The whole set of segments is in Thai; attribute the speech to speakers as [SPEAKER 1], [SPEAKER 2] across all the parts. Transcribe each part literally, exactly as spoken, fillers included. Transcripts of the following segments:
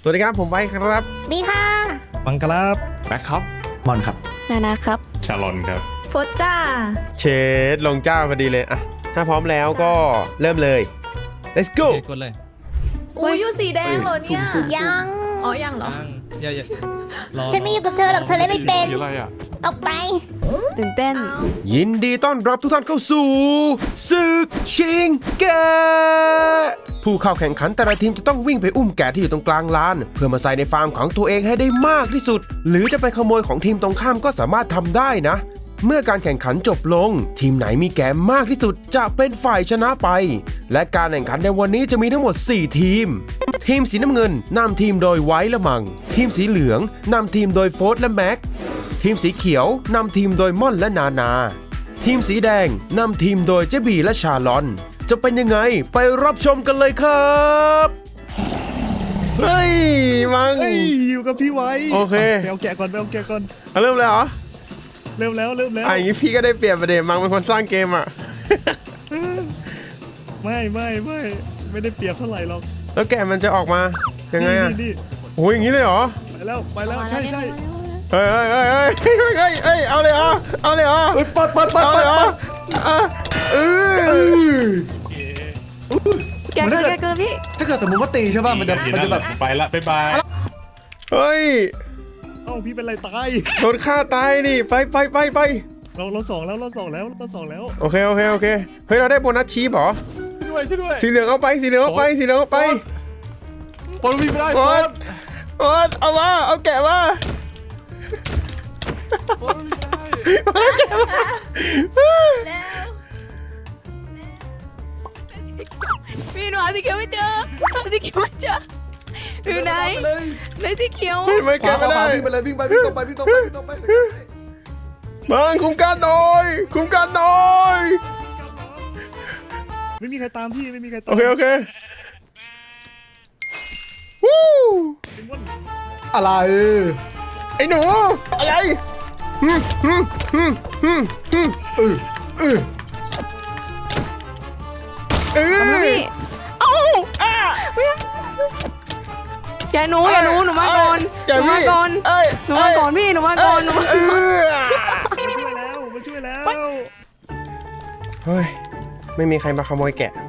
[SPEAKER 1] วัสดีครับผมไว้ครับ
[SPEAKER 2] ดีค่ะ
[SPEAKER 3] บังครับ
[SPEAKER 4] แบ็คครับ
[SPEAKER 5] มอนครับ
[SPEAKER 6] นานาครับ
[SPEAKER 4] ชาลอนครับ
[SPEAKER 6] โฟจ้า
[SPEAKER 1] เชดลงเจ้าพอดีเลยอะถ้าพร้อมแล้วก็เริ่มเลย let's go
[SPEAKER 3] กดเลย
[SPEAKER 6] อุ้ยอยู่สีแดงเหรอเนี่ย
[SPEAKER 2] ยัง
[SPEAKER 6] อ๋อยังเหรอ
[SPEAKER 3] อย่าอย่า
[SPEAKER 2] ฉันไม่อยู่กับเธอหรอกเธอเลยไม่เป็น
[SPEAKER 4] สีอะไรอ่ะ
[SPEAKER 2] ออกไป
[SPEAKER 6] ตื่นเต้น
[SPEAKER 1] ยินดีต้อนรับทุกท่านเข้าสู่ศึกชิงแกะผู้เข้าแข่งขันแต่ละทีมจะต้องวิ่งไปอุ้มแกะที่อยู่ตรงกลางลานเพื่อมาใส่ในฟาร์มของตัวเองให้ได้มากที่สุดหรือจะไปขโมยของทีมตรงข้ามก็สามารถทำได้นะเมื่อการแข่งขันจบลงทีมไหนมีแกะมากที่สุดจะเป็นฝ่ายชนะไปและการแข่งขันในวันนี้จะมีทั้งหมดสี่ทีมทีมสีน้ำเงินนำทีมโดยไว้และมังทีมสีเหลืองนำทีมโดยโฟร์และแม็กทีมสีเขียวนำทีมโดยม่อนและนานาทีมสีแดงนำทีมโดยเจบีและชาลอนจะเป็นยังไงไปรับชมกันเลยครับเฮ้ยมัง
[SPEAKER 3] เฮ้ยอยู่กับพี่ไว้
[SPEAKER 1] โอเค
[SPEAKER 3] ไปเอาแกะก่อนไปเอาแกะก่อน
[SPEAKER 1] เริ่มเลยเหรอ
[SPEAKER 3] เริ่มแล้วเริ่มแล้ว
[SPEAKER 1] อ่ะอย่างนี้พี่ก็ได้เปรียบประเด็นมังเป็นคนสร้างเกมอ่ะ
[SPEAKER 3] ไม่ไม่ไม่ไม่ได้เปรียบเท่าไหร่หรอก
[SPEAKER 1] แล้วแกมันจะออกมายังไงอ่ะ
[SPEAKER 3] นี่
[SPEAKER 1] โอ้ยอย่างนี้เลยเหรอ
[SPEAKER 3] ไปแล้วไปแล้วใช่ใช่
[SPEAKER 1] เฮ้ยเฮ้ยเฮ้ยเฮ้ยเฮ้ยเฮ้ยเอาเลยเหรอเอาเลยเหรอ
[SPEAKER 5] เปิดเปิดเปิดเอา
[SPEAKER 1] เลยเหรอเออ
[SPEAKER 6] แกเกินแกเกินพี่
[SPEAKER 5] ถ้าเกิดสมมติว่าตีใช่ป่ะมันจะมันจะแบบ
[SPEAKER 4] ไปละบ๊ายบาย
[SPEAKER 1] เฮ้ย
[SPEAKER 3] เอ้าพี่เป็นไรตาย
[SPEAKER 1] โดนฆ่าตายนี่ไปไปไปไป
[SPEAKER 3] เราเราสองแล้วเราสองแล้วเราสองแล้ว
[SPEAKER 1] โอเคโอเคโอเคเฮ้ยเราได้โบนัสชีพเหรอ
[SPEAKER 4] ช่วยช่วยด้วย
[SPEAKER 1] สีเหลืองเอาไปสีเหลืองเอาไปสีเหลืองเอาไป
[SPEAKER 4] ปนวิ่งไม่ได้
[SPEAKER 1] ปนปนเอามาเอาแกะมา
[SPEAKER 4] ปนวิ่งไม่ได้
[SPEAKER 6] พี่หนูหาสีเขียวไม่เจอหาสีเขียวไม่เจออยู่ไหนไหนสีเขียว
[SPEAKER 1] ไม่แกะไม่ได้
[SPEAKER 5] วิ่งไปเลยวิ่งไปวิ่งตรงไปวิ่งตรงไปวิ่งตรงไป
[SPEAKER 1] มังคุ้มกันหน่อยคุ้มกันหน่อย
[SPEAKER 3] ไม่มีใครตามพี่ไม่มีใครตาม
[SPEAKER 1] โอเคโอเควู้
[SPEAKER 5] อะไร
[SPEAKER 1] ไอ้หนูอะไรฮึฮึฮึฮึฮึเออเออเออ
[SPEAKER 6] เอ้าอย่าหนูอย่าหนูหนูมาก่อนหนูมาก่อนหนูมาก่อนพี่หนูมาก่อนหนูมาก่อน
[SPEAKER 3] มาช่วยแล้วมาช่วยแล้ว
[SPEAKER 1] เฮ้ยไม่มีใครมาขโมยแกะ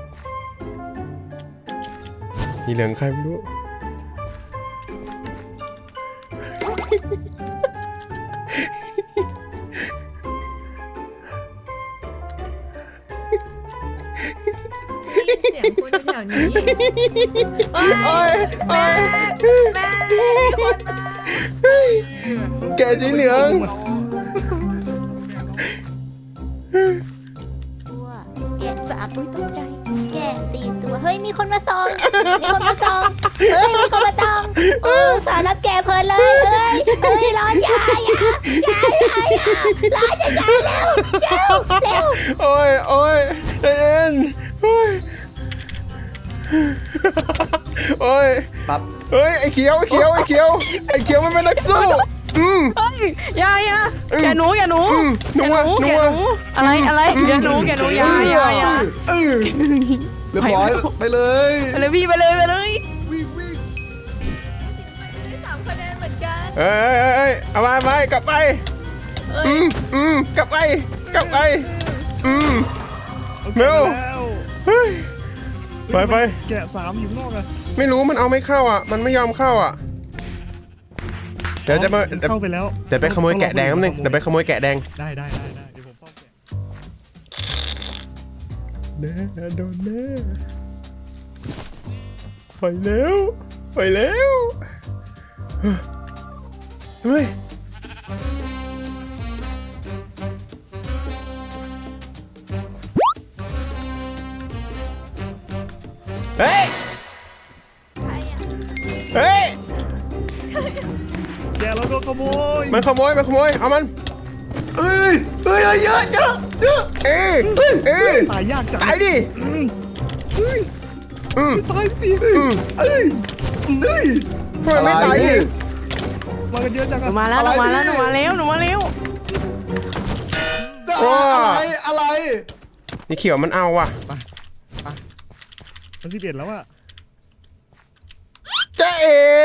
[SPEAKER 1] มีเหลืองใครไม่รู้
[SPEAKER 6] เสียงคุณแถวนี้
[SPEAKER 1] โอ้ยโอ้ย
[SPEAKER 6] แม่แม่คนมา
[SPEAKER 1] แกะสีเหลือง
[SPEAKER 2] ตัวแกะสามอุ้ยตกใจแกะสี่ตัวเฮ้ยมีคนมาส่องมีคนมาส่องเฮ้ยมีคนมาส่องโอ้สารรับแกะเพลินเลยเฮ้ยเฮ้ยร้อนยายอ่ะยายยายอ่ะร้อนจะยายเร็วเร็วเร็ว
[SPEAKER 1] โอ้ยโอ้ยเอ็นโอ้ยโอ้ย
[SPEAKER 5] ปั๊บ
[SPEAKER 1] เฮ้ยไอ้เขียวไอ้เขียวไอ้เขียวไอ้เขียวมันเป็นนักสู้อืม
[SPEAKER 6] เฮ้ยยายาแกหนูแกหนู
[SPEAKER 1] หนูหนู
[SPEAKER 6] อะไรอะไรแกหนูแกหนูยายายา
[SPEAKER 5] เออเรียบร้อยไปเลย
[SPEAKER 6] ไปเลยพี่ไปเลยไปเลย
[SPEAKER 5] วิ่งวิ่ง
[SPEAKER 6] สามคะแนนเหมือนกัน
[SPEAKER 1] เอ้ยเอ้ยเอาไปไปกลับไปอืมอืมกลับไปกลับไปอืมเร็วเฮ้ยไปไป
[SPEAKER 3] แกะสามอยู่นอกอะ
[SPEAKER 1] ไม่รู้มันเอาไม่เข้าอ่ะมันไม่ยอมเข้าอ่ะเดี๋ยวจะมา
[SPEAKER 3] เข้าไปแล้ว
[SPEAKER 1] เดี๋ยวไปขโมยแกะแดงนิดนึงเดี๋ยวไปขโมยแกะแดง
[SPEAKER 3] ได้ได้ได้ได้เดี๋ยวผมเฝ้าแกะ
[SPEAKER 1] แน่โดนแน่ไปแล้วไปแล้วเฮ้ยเฮ้ยเฮ้ย
[SPEAKER 3] แกเราโดนขโมย
[SPEAKER 1] มันขโมยมันขโมยเอามัน
[SPEAKER 5] เอ้ยเอ้ยเยอะเยอะเยอะ
[SPEAKER 1] เอ้ยเอ้ย
[SPEAKER 3] ตายยากจัง
[SPEAKER 1] ตายดิ
[SPEAKER 3] อืมตายสิ
[SPEAKER 1] อืม
[SPEAKER 5] เอ้ยเอ้ย
[SPEAKER 1] ทำไมไม่ตายดิ
[SPEAKER 3] มากันเยอะจังอะ
[SPEAKER 6] มาแล้วหนูมาแล้วหนูมาแล้วหนูมาแล้ว
[SPEAKER 5] อะไรอะไร
[SPEAKER 1] นี่เขียวมันเอาว่ะ
[SPEAKER 3] ไปไปมันสิบเอ็ดแล้วอะ
[SPEAKER 1] เจ๊เอ๋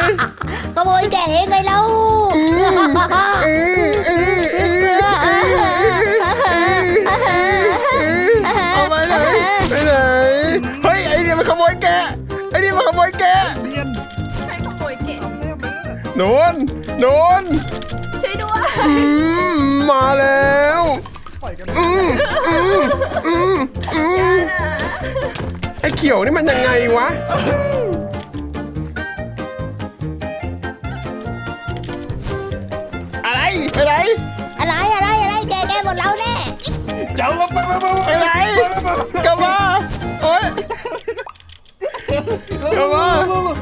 [SPEAKER 2] ขโมยแกะเองไงเล่า
[SPEAKER 1] เอาไปไหนไปไหนเฮ้ยไอ้นี่มันขโมยแกะไอ้นี่มันขโมยแกะ
[SPEAKER 3] เรียน
[SPEAKER 6] ใครขโมยเก็บ
[SPEAKER 3] สามแต้มเลยนะ
[SPEAKER 1] โดนโดน
[SPEAKER 6] ช่วยด้วย
[SPEAKER 1] อืมมาแล้ว
[SPEAKER 3] ปล่อยกัน
[SPEAKER 1] อืมอืมอืมอืมไอ้เขียวนี่มันยังไงวะอะไรไปไหน
[SPEAKER 2] อะไรอะไรอะไรแกแกหมดเราแน่
[SPEAKER 4] เจ้าลงไปไปไป
[SPEAKER 1] ไปไหนกลับมาโอ๊ยกลับมา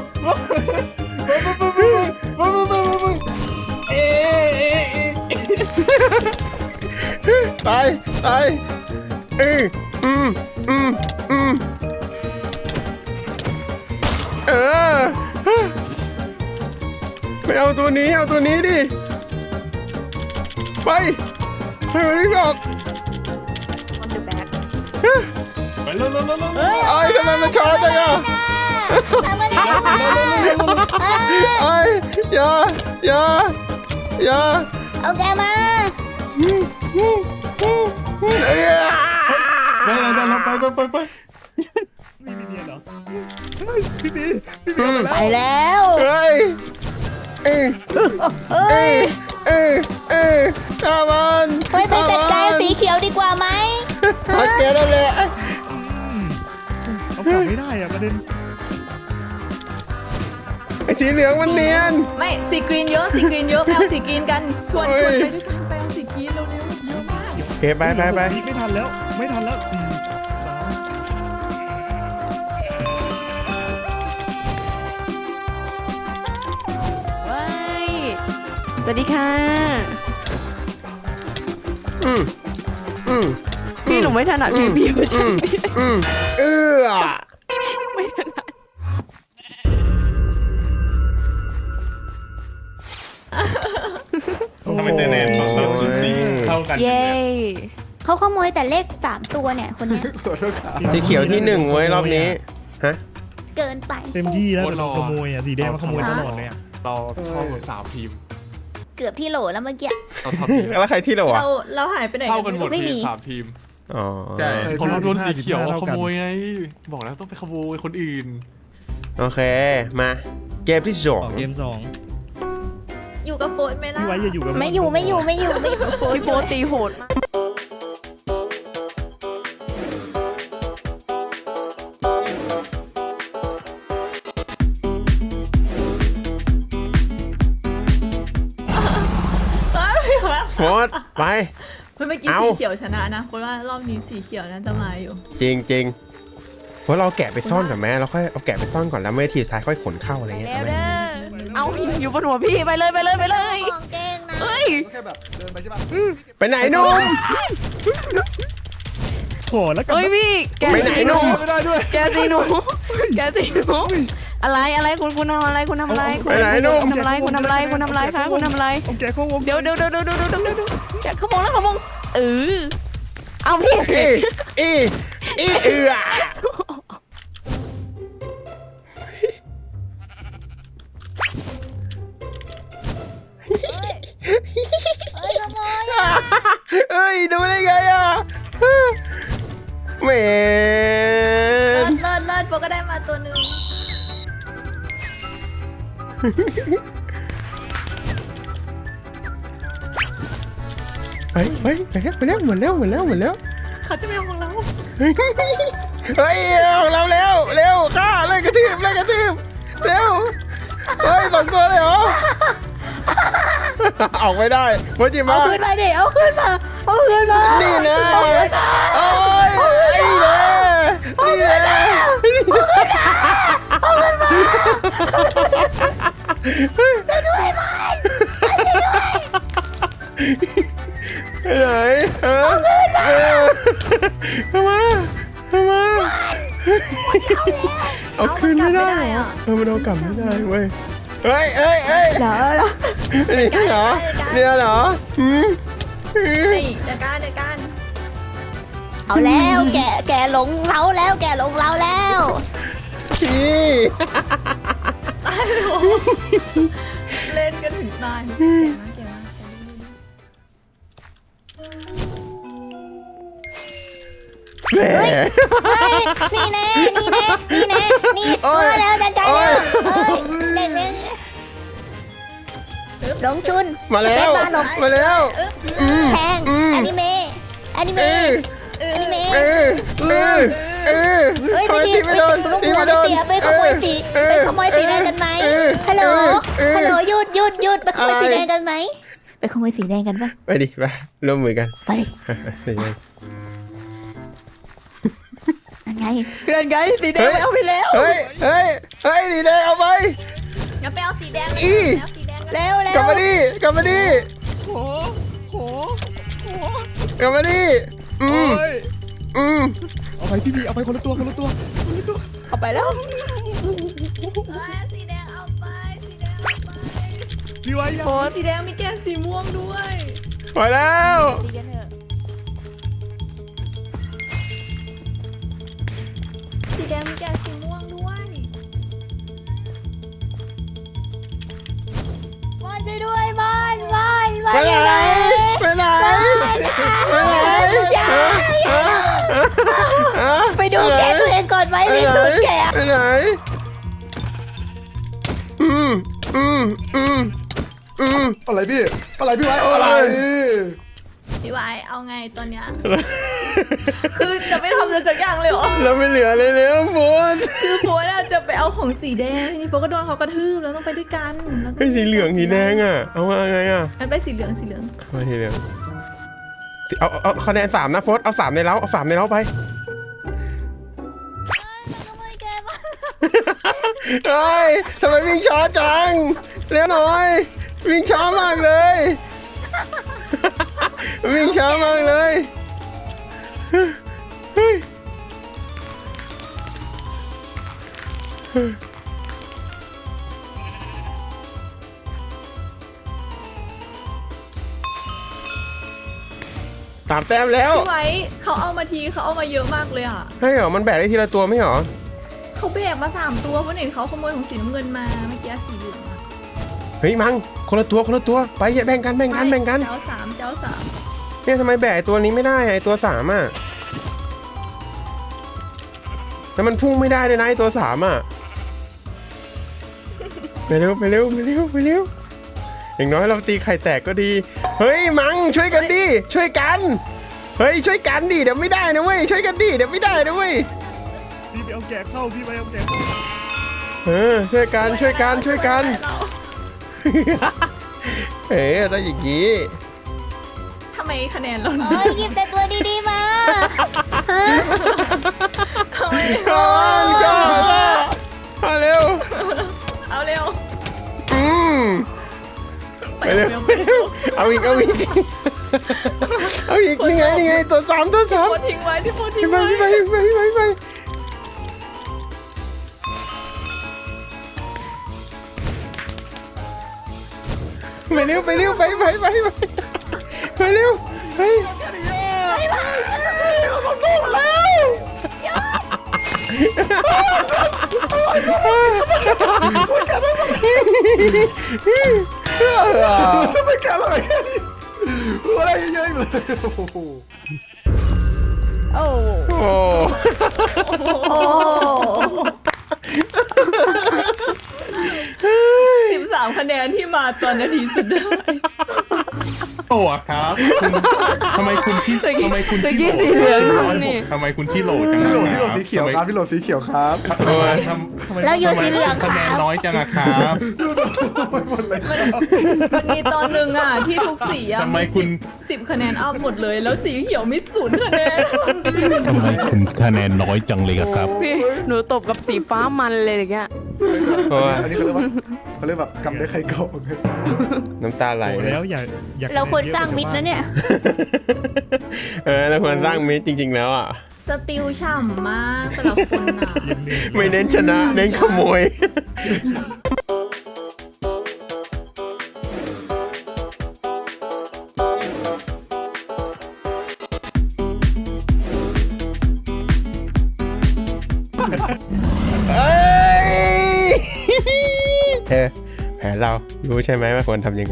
[SPEAKER 1] ตายตายอืมอืมอืมอืมเออไม่เอาตัวนี้เอาตัวนี้ดิไปไปไม่ได้บอก
[SPEAKER 6] on the back
[SPEAKER 4] ไปเร็วเร็วเร็วเร็ว
[SPEAKER 2] เฮ้ย
[SPEAKER 1] ไอ้ทำไมมันช้าจังอ่ะ
[SPEAKER 2] ทำอะไร
[SPEAKER 1] ไอ้อย่าอย่าอย่า
[SPEAKER 2] เอาแกมา
[SPEAKER 1] เอ้ย
[SPEAKER 4] ได้แล้วได้แล้วไปไปไปไป
[SPEAKER 3] มีมีเนียนเหรอเฮ้ยพี่บีพี่บีมา
[SPEAKER 2] ไป
[SPEAKER 3] แล้ว
[SPEAKER 2] แล้ว
[SPEAKER 1] เฮ้ยเอ้ย
[SPEAKER 2] เอ้ย
[SPEAKER 1] เอ้ยเอ้ยข้ามัน
[SPEAKER 2] ไปไปจัดการสีเขียวดีกว่าไหม
[SPEAKER 1] โอเคนั่นแหละ
[SPEAKER 3] เอากลับไม่ได้อะประเด็น
[SPEAKER 1] ไอ้สีเหลืองมันเนียน
[SPEAKER 6] ไม่สีกรีนเยอะสีกรีนเยอะไปเอาสีกรีนกันชวนชวนไปด้วยกันไปเอาสีกรีนเร็วๆเยอะมาก
[SPEAKER 1] โอเคไปไปไป
[SPEAKER 3] ไม่ทันแล้วไม่ทันแล้วสี่สาม
[SPEAKER 6] ว้ายสวัสดีค่ะ
[SPEAKER 1] อืมอืม
[SPEAKER 6] พี่หนูไม่ถนัดพีพีเพราะฉะนั้น
[SPEAKER 1] อืมเอื้อ
[SPEAKER 6] ไม่ถนัด
[SPEAKER 4] ทำไมเซเนนเราจุดสีเท่ากัน
[SPEAKER 6] เย้
[SPEAKER 2] เขาขโมยแต่เลขสามตัวเนี่ยคนเนี้ย
[SPEAKER 1] สีเขียวที่หนึ่งเว้ยรอบนี้ฮะ
[SPEAKER 2] เกินไป
[SPEAKER 3] เต็มที่แล้วแต่เราขโมยอ่ะสีแดงมาขโมยตลอดเลยอ่ะ
[SPEAKER 4] เราเท่ากันสามทีม
[SPEAKER 2] เกือบที่โหลแล้วเมื่อกี้
[SPEAKER 4] เราเท่าทีม
[SPEAKER 1] แล้วใครที่เราอ่ะ
[SPEAKER 6] เราเราหายไปไหน
[SPEAKER 4] เท่ากันหมด
[SPEAKER 2] ไม่มี
[SPEAKER 4] ทีมสามทีม
[SPEAKER 1] อ๋อ
[SPEAKER 4] ใช่เพราะเราโดนสีเขียวขโมยไงบอกแล้วต้องไปขโมยคนอื่น
[SPEAKER 1] โอเคมาเกมที่สอ
[SPEAKER 3] อง อกเกมสอง
[SPEAKER 6] อยู่กับโฟนไหมล่ะ
[SPEAKER 3] พี่ไว้อย่าอยู่กับ
[SPEAKER 2] ไม่อยู่ไม่อยู่ไม่อยู่ไม่อยู่โฟน
[SPEAKER 6] พี่โฟนตีโหดมาก
[SPEAKER 1] โคตรไป
[SPEAKER 6] เมื่อกี้
[SPEAKER 1] เอา
[SPEAKER 6] สีเขียวชนะนะเพราะว่ารอบนี้สีเขียวน่าจะมาอยู่
[SPEAKER 1] จริงจริงเพราะเราแกะไปซ่อนก่อนแม่เราค่อยเอาแกะไปซ่อนก่อนแล้วไม่ทีท้ายค่อยขนเข้าอะไรเงี้ย
[SPEAKER 6] แล้ว
[SPEAKER 1] เอาไหม
[SPEAKER 6] เด้อเอาอยู่บนหัวพี่ไปเลยไปเลยไปเลย
[SPEAKER 2] ของเก่งนะ
[SPEAKER 6] เฮ้ย
[SPEAKER 5] แค่แบบเดินไปใช่ป่ะ
[SPEAKER 1] ไปไหนหนุ่ม
[SPEAKER 3] ขอแล้วกัน
[SPEAKER 6] เฮ้ยพี่แก
[SPEAKER 1] ไปไหนหนุ่ม
[SPEAKER 4] ไม่ได้ด้วย
[SPEAKER 6] แกตีหนูแกตีหนูอะไรอะไรคุณคุณทำอะไรคุณทำอะไรคุณ
[SPEAKER 1] ไปไหนหนุ่ม
[SPEAKER 6] ทำอะไรคุณทำอะไรคุณทำอะไรคะคุณทำอะไร
[SPEAKER 3] เอาแกเข้าวง
[SPEAKER 6] เดี๋ยวเดี๋ยวเดี๋ยวเดี๋ยวเดี๋ยวเดี๋ยวเดี๋ยวแกขโมงแล้วขโมงเออเอาพี่
[SPEAKER 1] อีอีอีเอือ
[SPEAKER 2] เฮ้ยขโมยอ่ะ
[SPEAKER 1] เอ้ยดูได้ไงอ่ะแหม
[SPEAKER 6] เลิ
[SPEAKER 1] น
[SPEAKER 6] ศเลิศเลิศโปก็ได้มาตัวหนึ่ง
[SPEAKER 1] ไปไปไปแล้วไปแล้วหมดแล้วหมดแล้วหมดแล้ว
[SPEAKER 6] เขาจะไม่เอาของเรา
[SPEAKER 1] เฮ้ยเอาเราเร็วเร็วฆ่าเลยกระทืบเลยกระทืบเร็วเฮ้ยสองตัวเลยเหรอออกไม่ได้โมจิมา
[SPEAKER 2] เอาขึ้นมาดิเอาขึ้นมาเอาขึ้นมา
[SPEAKER 1] นี่นะ
[SPEAKER 2] เอาขึ้นมา
[SPEAKER 1] โอ้ยไอ้เน่นี่นะไปไหนฮะเข้ามาเข้ามาเอาขึ้นไม่ได้เหรอเออมันเอากลับไม่ได้เว้ยเฮ้ยเฮ้ยเฮ้ย
[SPEAKER 2] เหรอเหรอ
[SPEAKER 1] นี่เหรอเนี่ยเหรอหืมหืม
[SPEAKER 6] นี่จัดการจัดการ
[SPEAKER 2] เอาแล้วแกแกหลงเราแล้วแกหลงเราแล้ว
[SPEAKER 1] พี่
[SPEAKER 6] ตายเล่นกันถึงตายเก่งมากเก่งมาก
[SPEAKER 1] แหม
[SPEAKER 2] เฮ้ยนี่แน่นี่แน่นี่แน่นี่
[SPEAKER 1] โอ๊
[SPEAKER 2] เอย อแล้วจัดการ
[SPEAKER 1] โอ๊
[SPEAKER 2] แล้
[SPEAKER 1] ย
[SPEAKER 2] วเฮ้ยเล่นเล่นลงชุน
[SPEAKER 1] มาแล้ว
[SPEAKER 2] เซฟบ้านหลบ
[SPEAKER 1] มาแล้วอืม
[SPEAKER 2] แทง
[SPEAKER 1] อืม
[SPEAKER 2] อนิเมะอนิ
[SPEAKER 1] เอ
[SPEAKER 2] เมะ
[SPEAKER 1] อ
[SPEAKER 2] อนิเมะ
[SPEAKER 1] เออเออเออ
[SPEAKER 2] เฮ้ย
[SPEAKER 1] ทำ
[SPEAKER 2] ไม่
[SPEAKER 1] ไม
[SPEAKER 2] ดี
[SPEAKER 1] ตี
[SPEAKER 2] ไม่
[SPEAKER 1] ไม่โดน
[SPEAKER 2] ลูก
[SPEAKER 1] ตี
[SPEAKER 2] หัว
[SPEAKER 1] ไม่โด
[SPEAKER 2] ไม่
[SPEAKER 1] น
[SPEAKER 2] เสียไปขโมยสี
[SPEAKER 1] เออ
[SPEAKER 2] ไปขโมยสีแดงกันไหม
[SPEAKER 1] เออ
[SPEAKER 2] ฮัลโหล
[SPEAKER 1] เออ
[SPEAKER 2] ฮัลโหลหยุดหยุดหยุดไปขโมย
[SPEAKER 1] อะไร
[SPEAKER 2] สีแดงกันไหมไปขโมยสีแดงกันปะ
[SPEAKER 1] ไปดิไปร่วมมือกัน
[SPEAKER 2] ไปดิ
[SPEAKER 1] นี่ไง
[SPEAKER 2] นั่นไง
[SPEAKER 6] เพื่อนไงสีแดง
[SPEAKER 1] เฮ้ย
[SPEAKER 6] ไปเอาไปแล้ว
[SPEAKER 1] เฮ้ยเฮ้ยเฮ้ยดีแดงเอาไป
[SPEAKER 6] งั้นไปเอาสีแดงเลย
[SPEAKER 1] อี
[SPEAKER 6] เอาสีแดงเลย
[SPEAKER 2] เร็วเร็ว
[SPEAKER 1] กลับมาดิกลับมาดิ
[SPEAKER 3] ขอขอขอก
[SPEAKER 1] ลับมาดิอื
[SPEAKER 3] โอ้
[SPEAKER 1] ม
[SPEAKER 3] ย
[SPEAKER 1] อืม
[SPEAKER 3] เอาไปพี่บีเอาไปคนละตัวคนละตัวคนละตัว
[SPEAKER 2] เอาไปแล้ว
[SPEAKER 6] เอ้ยสีแดงเอาไปสีแดงเอาไป
[SPEAKER 3] พี่ไว้ยัง
[SPEAKER 6] โอ้สีแดงมีแกนสีม่วงด้วย
[SPEAKER 1] พอแล้ว
[SPEAKER 2] ดีกันเถอะ
[SPEAKER 6] สีแดงมีแกนสีม่วงด้วย
[SPEAKER 2] มอนช่วยด้วยมอนมอนมอน
[SPEAKER 1] ไปไหนไปไหนไปไหน
[SPEAKER 2] ไปดูแกตัวเองก่อนไหม
[SPEAKER 1] ไป
[SPEAKER 2] นี่
[SPEAKER 1] ไหน
[SPEAKER 2] สุดแก
[SPEAKER 1] ไปไหนอืมอืมอืมอืม
[SPEAKER 5] อะไรพี่อะไรพี่ไว้
[SPEAKER 1] โอ๊ย
[SPEAKER 5] อะไร
[SPEAKER 6] พี่วายเอาไงตอนเนี้ย คือจะไม่ทำอะไรสักอย่างเลยเหรอ
[SPEAKER 1] เราไม่เหลือเลยแล้วโฟน
[SPEAKER 6] คือโพสอะจะไปเอาของสีแดงทีนี้โพสก็โดนเขากระทืบแล้วต้องไปด้วยกันแล้วก็
[SPEAKER 1] ไอ้สีเหลืองสีแดงอ่ะเอามาไงอ่ะ
[SPEAKER 6] งั้นไปสีเหลืองสีเหลือง
[SPEAKER 1] เอาสีเหลืองเอาเอาเอาคะแนนสามนะโฟนเอาสามในเล้าเอาสามในเล้าไป
[SPEAKER 2] ขโมยแกมา
[SPEAKER 1] เฮ้ยทำไมวิ่งช้าจังเร็วหน่อยวิ่งช้ามากเลย วิ่งช้ามากเลยเฮ้ยตามแต้มแล้ว
[SPEAKER 6] พี่ไว้เขาเอามาทีเขาเอามาเยอะมากเลยอ่ะ
[SPEAKER 1] ให้เหรอมันแบกได้ทีละตัวไม่เหรอ
[SPEAKER 6] เขาแบกมาสามตัวเพราะเห็นเขาขโมยของสีน้ำเงินมาเมื่อกี้สีเหลืองอะ
[SPEAKER 1] เฮ้ยมังคนละตัวคนละตัวไปอย่าแบ่งกันแบ่งกันแบ่งกัน
[SPEAKER 6] เจ้าสามเจ้าสาม
[SPEAKER 1] เนี่ยทำไมแบกไอ้ตัวนี้ไม่ได้ไอ้ตัวสามอ่ะแล้วมันพุ่งไม่ได้เลยนะไอ้ตัวสามอ่ะไปเร็วไปเร็วไปเร็วไปเร็วอย่างน้อยเราตีไข่แตกก็ดีเฮ้ยมังช่วยกันดิช่วยกันเฮ้ยช่วยกันดิเดี๋ยวไม่ได้นะเว้ยช่วยกันดิเดี๋ยวไม่ได้นะเว้ย
[SPEAKER 3] พี่ไปเอาแกะเข้าพี่ไปเอาแกะเข้า
[SPEAKER 1] เออช่วยกันช่วยกันช่วยกันเอ๋ต้องอย่างนี้
[SPEAKER 6] ทำไมคะแนนเรา
[SPEAKER 2] เอ้ยหยิบแต่ตัวดีๆมาฮะ
[SPEAKER 6] ทำไม
[SPEAKER 1] ก่อนก่อนมาเร็ว
[SPEAKER 6] เอาเร็ว
[SPEAKER 1] อืม
[SPEAKER 6] ไป
[SPEAKER 1] ไปเร็ว
[SPEAKER 6] เร็ว
[SPEAKER 1] ไปเร็วเอาอีกเอาอีกเอาอีกนี่ไงนี่ไงตัวสามตัวสาม
[SPEAKER 6] โพสทิ้งไว้ที่โพสทิ้ง
[SPEAKER 1] ไป
[SPEAKER 6] ไว้
[SPEAKER 1] ไปไปไปไปไปไปเร็วไปเร็วไปไปไปไปไปเร็วไปไป
[SPEAKER 5] ไม่กล้าเลยแค่นี้อะไรเยอะๆเลยโอ้โห
[SPEAKER 2] โอ้
[SPEAKER 1] โอ้
[SPEAKER 2] โอ้
[SPEAKER 6] สิบสามคะแนนที่มาตอนนาทีสุดท้าย
[SPEAKER 7] โหลดครับคุณทำไมคุณที่ทำไมคุณที่โหลด
[SPEAKER 6] ตะกี้สีเหลืองนี่
[SPEAKER 7] ทำไมคุณที่โหลดจัง
[SPEAKER 5] พี่โหลด
[SPEAKER 7] อะ
[SPEAKER 5] พี่โหลดสีเขียวครับพี่โหลดสีเขียวครับ
[SPEAKER 7] ทำไมทำทำไม
[SPEAKER 2] เราอยู่สีเหลืองค
[SPEAKER 7] คะแน
[SPEAKER 2] รั
[SPEAKER 7] น
[SPEAKER 2] บ
[SPEAKER 7] น้อยจังอะครับ
[SPEAKER 6] มันมีตอนหนึ่งอ่ะที่ทุกสีอ่ะ
[SPEAKER 7] ทำไมคุณ
[SPEAKER 6] สิบคะแนนอัพหมดเลย แล้วสีเขียวมีศูนย์คะแนน
[SPEAKER 7] ทำไมคุณคะแนนน้อยจังเลยอะครับ
[SPEAKER 6] พี่หนูตบกับสีฟ้ามันเลยอย่างเงี้ย
[SPEAKER 5] อันนี้เขาเรียกว่าเขาเรียกแบบกำได้ใครเก่า
[SPEAKER 1] น้ำตาไหล
[SPEAKER 3] โอ้แล้วอย่าอย่า
[SPEAKER 2] เราควรสร้างมิตรนะเนี่ย
[SPEAKER 1] เออเราควรสร้างมิตรจริงๆแล้วอ่ะ
[SPEAKER 6] สติลฉ่ำมากแต่ละคนอ่ะ
[SPEAKER 3] ยังเหนื่อย
[SPEAKER 1] ไม่เน้นชนะเน้นขโมยเอ้ยเธอแผนเรารู้ใช่ไหมว่าควรทำยังไง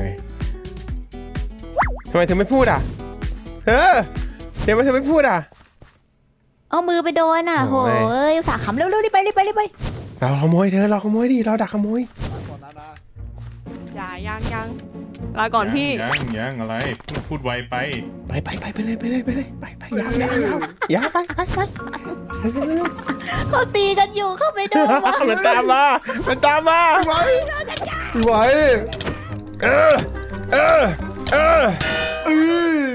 [SPEAKER 1] ทำไมเธอไม่พูดอ่ะเธอเดี๋ยวทำไมเธอไม่พูดอ่ะ
[SPEAKER 2] เอามือไปโดนอ่ะโห
[SPEAKER 1] โอ้ย
[SPEAKER 2] เอ้ยสาขำเร็วๆรีบไปรีบไปรีบไป
[SPEAKER 1] เราขโมยเธอเราขโมยดิเราดักขโมย
[SPEAKER 6] อย่ายังยังลาก่อนพี่
[SPEAKER 7] ยังยังอะไรพูดพูดไวไป
[SPEAKER 1] ไปไปไปไปเลยไปเลยไปเลยไปไปยาวยาวยาวยาวไปไปไป
[SPEAKER 2] เขาตีกันอยู่เข้าไปโดนวะ
[SPEAKER 1] มันตามมามันตามมาไหวไหวเออเออเออเออ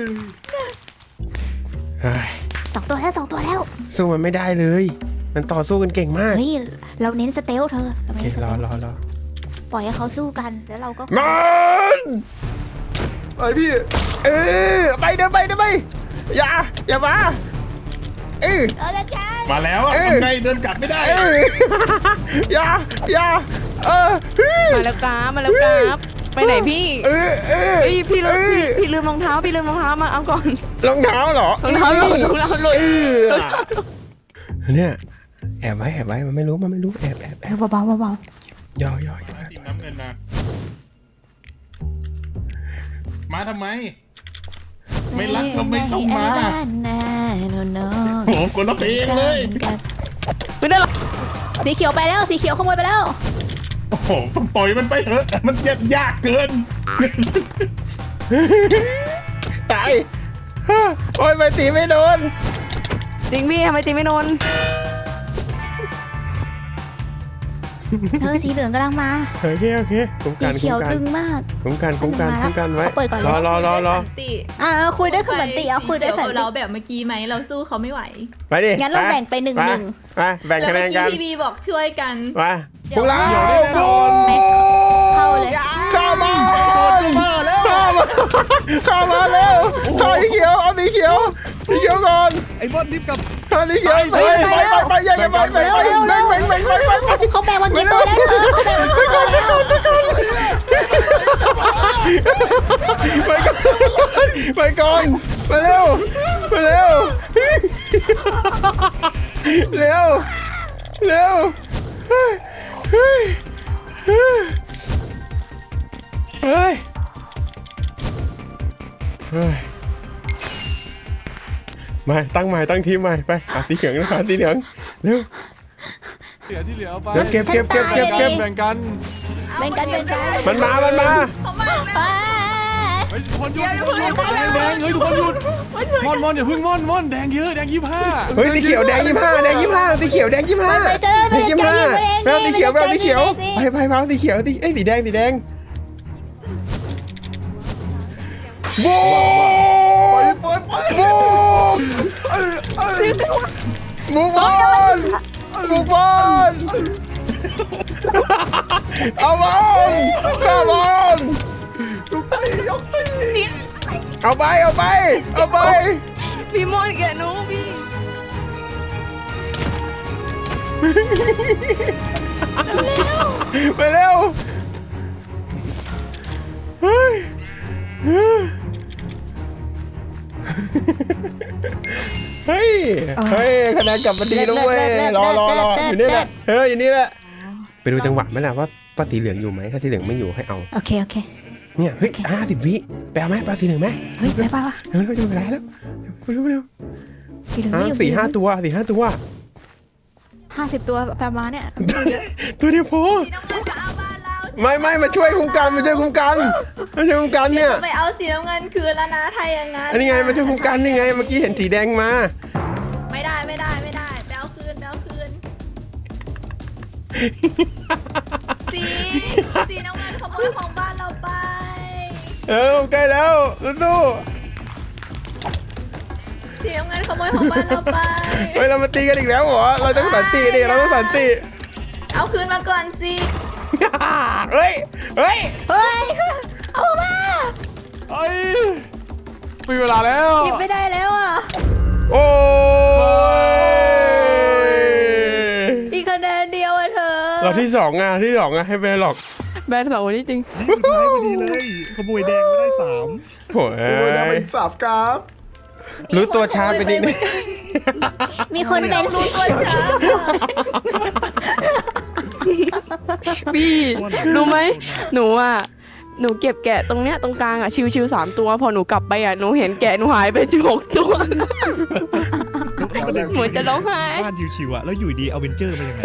[SPEAKER 1] เฮ้ย
[SPEAKER 2] สองตัวแล้วสองตัวแล้ว
[SPEAKER 1] สู้มันไม่ได้เลย มันต่อสู้กันเก่งมาก
[SPEAKER 2] เฮ้ยเราเน้นสเตลเธอเรา
[SPEAKER 1] โอเค
[SPEAKER 2] เน้นส
[SPEAKER 1] ร
[SPEAKER 2] เต
[SPEAKER 1] อ
[SPEAKER 2] ล
[SPEAKER 1] รอรอ
[SPEAKER 2] ปล่อยให้เขาสู้กันแล้วเราก็
[SPEAKER 1] มัน
[SPEAKER 5] ไอพี่
[SPEAKER 1] เออไปเดินไปเดินไปอย่าอย่ามาเออ
[SPEAKER 2] เอาละกัน
[SPEAKER 7] มาแล้วอ่ะ
[SPEAKER 1] เอ้ย
[SPEAKER 7] ทำไงเดินกลับไม่ได้
[SPEAKER 1] เอออย่าอย่าเออ
[SPEAKER 6] มาแล้วกราฟมาแล้วกราฟไปไหนพี่
[SPEAKER 1] เออเออ
[SPEAKER 6] เฮ้ยพี่ลืม
[SPEAKER 1] เออ
[SPEAKER 6] พี่พี่ลืมรองเท้าพี่ลืมรองเท้ามาเอาก่อน
[SPEAKER 1] รองเท้าเหรอ
[SPEAKER 6] รองเท้าหลุดรองเท้าหลุด
[SPEAKER 1] เออเนี่ยแอบไว้แอบไว้มันไม่รู้มันไม่รู้แอบแอบแอบ
[SPEAKER 2] เบาเบาเบา
[SPEAKER 1] ย่อย่อย่อ
[SPEAKER 7] ทีมน้ำเงินมามาทำไม ไม่รักก็ไม่ต้องมา
[SPEAKER 2] แน่โนโน
[SPEAKER 7] โอ้โหคนละเพลงเลย
[SPEAKER 6] ไม่ได้หรอก
[SPEAKER 2] สีเขียวไปแล้วสีเขียวขโมยไปแล้ว
[SPEAKER 7] โอ้โหปล่อยมันไปเถอะมันยากยากเกิน
[SPEAKER 1] ตายโอ้ยไปตีไม่โดน
[SPEAKER 6] จริงพี่ทำไมตีไม่โดน
[SPEAKER 2] เธอสีเหลืองกำลังมา
[SPEAKER 1] โอเคโอเคคุ้ม
[SPEAKER 2] สี
[SPEAKER 1] กัน
[SPEAKER 2] เขี
[SPEAKER 1] คุ้
[SPEAKER 2] ยว
[SPEAKER 1] มกัน
[SPEAKER 2] ตึงมาก
[SPEAKER 1] คุ้มกันคุ้มกันคุ้มกันไว้
[SPEAKER 2] เขาเปิดก่อนเลย
[SPEAKER 1] รอรอรอรอ
[SPEAKER 2] อ่าคุยด้วยคำสันติเอาคุยด้วยสันติ
[SPEAKER 8] เราแบบเมื่อกี้ไหมเราสู้เขาไม่ไหว
[SPEAKER 1] ไปดิ
[SPEAKER 2] งั้นเราแบ่งไปหนึ่งหนึ่ง
[SPEAKER 1] ไปแบ่ง
[SPEAKER 8] แล้ว
[SPEAKER 1] คะแน
[SPEAKER 8] เมื่อน กี้
[SPEAKER 1] กัน
[SPEAKER 8] พี่บีบอกช่วยกัน
[SPEAKER 1] ไปพวกเรา
[SPEAKER 2] เข้าเลย
[SPEAKER 1] เข้ามาเข้ามาเข้ามาเร็วเข้าสีเขียวเอาสีเขียวสีเขียวก่อน
[SPEAKER 3] ไอ้บอลรีบกลับ
[SPEAKER 1] เอาสีเขียวไปไปไปไปยังไงไปไปไปไปไปไปไปไป
[SPEAKER 2] เขาแบ่งมากี่ตัวแล้วเธอเขาแบ่งมากี่ตัวแล้ว
[SPEAKER 1] ไปก่อนไปเร็วไปเร็วเร็วเร็วเฮ้ยเฮ้ยเฮ้ยมาตั้งใหม่ตั้งทีมใหม่ไปหาสีเหลืองนะคะสีเหลืองเร็ว
[SPEAKER 4] เหลือที่เหลือเอาไป
[SPEAKER 1] เดี๋ยวเก็บเก็บเก็บเก็บเก็บ
[SPEAKER 4] แบ่งกัน
[SPEAKER 2] แบ่งกันแบ่งกัน
[SPEAKER 1] มันมามันมา
[SPEAKER 4] เฮ้ยทุกคนหยุดแดงแดงเฮ้ยทุกคนหยุดมอนมอนอย่าพึ่งมอนมอนแดงเยอะแดงยี่ห้า
[SPEAKER 1] เฮ้ยสีเขียวแดงยี่ห้าแดงยี่ห้าสีเขียวแดงยี่ห้าแดงยี่ห้าแมวสีเขียวแมวสีเขียวไปไปไปสีเขียวสีเอ้ยสีแดงสีแดงโว้โว้บุกบอลบุกบอลเอาบอลข้าบอลเอาไปเอาไปเอาไป
[SPEAKER 6] พี่มอนแกหนูพี่
[SPEAKER 1] ไปเร็วเฮ้ยเฮ้ยเฮ้ยคะแนนกลับมาดีแล้วเว้ยรอรอรออยู่นี่แหละเฮ้ยอยู่นี่แหละไปดูจังหวะไหมล่ะว่าปลาสีเหลืองอยู่ไหมถ้าสีเหลืองไม่อยู่ให้เอา
[SPEAKER 2] โอเคโอเค
[SPEAKER 1] เนี่ยเฮ้ยห้าสิบวิไปเอาไหมปลาสีเหลืองไหม
[SPEAKER 2] เฮ้ยไปไปวะ
[SPEAKER 1] เร็วเร็วจะเวลาแล้วเร็วเร็ว
[SPEAKER 2] สีเหลือง
[SPEAKER 1] ห้า
[SPEAKER 2] ไม่อยู่
[SPEAKER 1] สี่ห้าตัวสี่ห้าตัว
[SPEAKER 2] ห้าสิบตัวประมาณเนี้ย
[SPEAKER 1] ตัวเดียวพอ
[SPEAKER 8] สีน้ำเงินก็เอาบ้านเรา
[SPEAKER 1] ไม่ไม่มาช่วยคุ้มกันมาช่วยคุ้มกันมาช่วยคุ้มกันเนี่ย
[SPEAKER 8] ไปเอาสีน้ำเงินคืนแล้วนะไทยอย่างงั้น
[SPEAKER 1] อันนี้ไงมาช่วยคุ้มกันนี่ไงเมื่อกี้เห็นสีแดงมา
[SPEAKER 8] ไม่ได้ไม่ได้ไม่ได้ไปเอาคืนไปเอาคืน สีสีน้ำเงินขโมยของบ้านเราไป
[SPEAKER 1] เออใกล้แล้วสู้
[SPEAKER 8] สีน้ำเงินขโมยของบ้านเราไป
[SPEAKER 1] ๆเฮ้ยเรามาตีกันอีกแล้วเหรอเราต้องสันติดิเราต้องสันติ
[SPEAKER 8] เอาคืนมาก่อนสิ
[SPEAKER 1] เฮ้ยเฮ้ย
[SPEAKER 2] เฮ้ยเอามา
[SPEAKER 4] เฮ้ยมีเวลาแล้ว
[SPEAKER 2] หยิบไม่ได้แล้วอ่ะ
[SPEAKER 1] โอ้ย
[SPEAKER 2] อีกคะแนนเดียวอ่ะเธอ
[SPEAKER 1] เราที่สองอ่ะที่สองอ่ะให้ไปหรอก
[SPEAKER 6] แบนสองคนนี้จริง
[SPEAKER 3] นี่สุดท้ายพอดีเลยขโมยแดงไม่ได้สาม
[SPEAKER 1] โอ้ย
[SPEAKER 5] โอ้ยได้ไปอีกสามกราฟ
[SPEAKER 1] รู้ตัวช้าไปนิดนึง
[SPEAKER 2] มีคนเป็นสี
[SPEAKER 8] ตัวช้า
[SPEAKER 6] พี่รู้ไหมหนูอ่ะหนูเก็บแกะตรงเนี้ยตรงกลางอ่ะชิวๆสามตัวพอหนูกลับไปอ่ะหนูเห็นแกะหนูหายไปหกตัว
[SPEAKER 3] ประเด็น
[SPEAKER 6] หนูจะร้องไห้
[SPEAKER 3] บ้านชิวๆอะแล้วอยู่ดีเอาเวนเจอร์มายังไง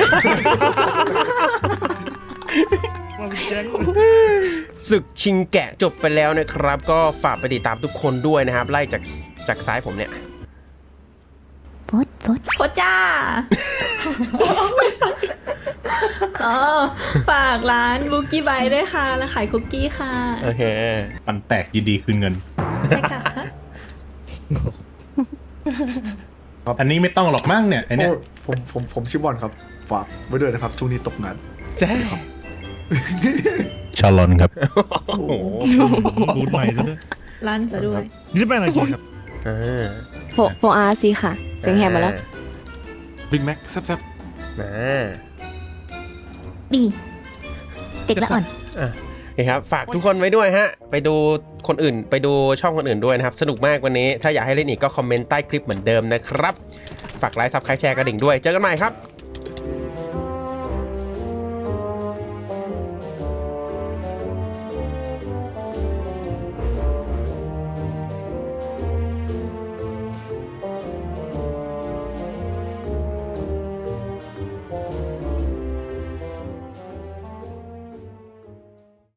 [SPEAKER 3] มาเป็นแจ้ง
[SPEAKER 1] ศึกชิงแกะจบไปแล้วนะครับ ก็ฝากไปติดตามทุกคนด้วยนะครับ ไล่จากจากซ้ายผมเนี่ย
[SPEAKER 2] พดพด
[SPEAKER 8] โคจ้า ไม่ใช่อ๋อฝากร้านบุกี้ไบด้วยค่ะแล้วขายคุกกี้ค่ะ
[SPEAKER 1] โอเค
[SPEAKER 7] ปันแตกยินดีคืนเงิน
[SPEAKER 8] ใช่ค่ะ
[SPEAKER 7] อันนี้ไม่ต้องหรอกมั้งเนี่ยไอเนี้ย
[SPEAKER 5] โอ้ผมผมผมชื่อบอลครับ ฝากไว้ด้วยนะครับ ช่วงนี้ตกงาน
[SPEAKER 1] แจ้
[SPEAKER 7] ชาลอนครับ
[SPEAKER 1] โอ้โห
[SPEAKER 3] บูดใหม่ซะด้วย
[SPEAKER 8] ร้านจะด้วย
[SPEAKER 3] นี่จะเป็นอะไรกินครับ
[SPEAKER 1] อ่า
[SPEAKER 6] โฟโฟอาร์ซีค่ะเสียงแหบมาแล้ว
[SPEAKER 4] บิ๊กแม็กแซ่บ
[SPEAKER 1] อ่า
[SPEAKER 2] บีเด็กละอ่อน
[SPEAKER 1] อ่ะโอเคครับ ฝากทุกคนไว้ด้วยฮะ ไปดูคนอื่น ไปดูช่องคนอื่นด้วยนะครับ สนุกมากวันนี้ ถ้าอยากให้เล่นอีกก็คอมเมนต์ใต้คลิปเหมือนเดิมนะครับ ฝากไลค์ซับสไครต์แชร์กระดิ่งด้วย เจอกันใหม่ครับ